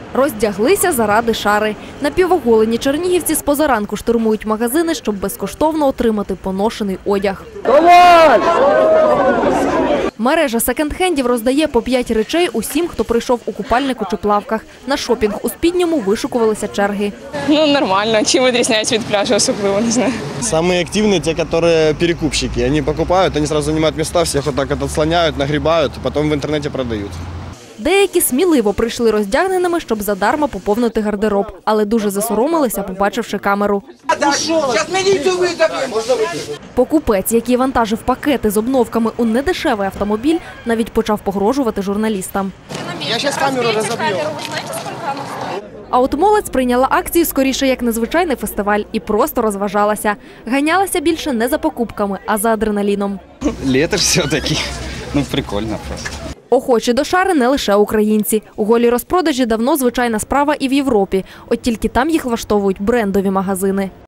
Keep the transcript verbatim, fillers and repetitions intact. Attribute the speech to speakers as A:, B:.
A: Роздяглися заради шари. Напівоголені чернігівці з позаранку штурмують магазини, щоб безкоштовно отримати поношений одяг. Давай! Мережа секонд-хендів роздає по п'ять речей усім, хто прийшов у купальнику чи плавках. На шопінг у спідньому вишукувалися черги.
B: Ну, нормально. Чим відрізняється від пляжу особливо, не знаю.
C: Самые активные те, которые перекупщики. Они покупают, они сразу занимают места, всех вот так вот отслоняют, нагребают, потом в интернете продают.
A: Деякі сміливо прийшли роздягненими, щоб задарма поповнити гардероб, але дуже засоромилися, побачивши камеру. Покупець, який вантажив пакети з обновками у недешевий автомобіль, навіть почав погрожувати журналістам.
C: Я зараз камеру розоб'ю.
A: А от молодь прийняла акцію скоріше як незвичайний фестиваль і просто розважалася. Ганялася більше не за покупками, а за адреналіном.
D: Лето ж все-таки. Ну, прикольно просто.
A: Охочі до шари не лише українці. У голій розпродажі давно звичайна справа і в Європі. От тільки там їх влаштовують брендові магазини.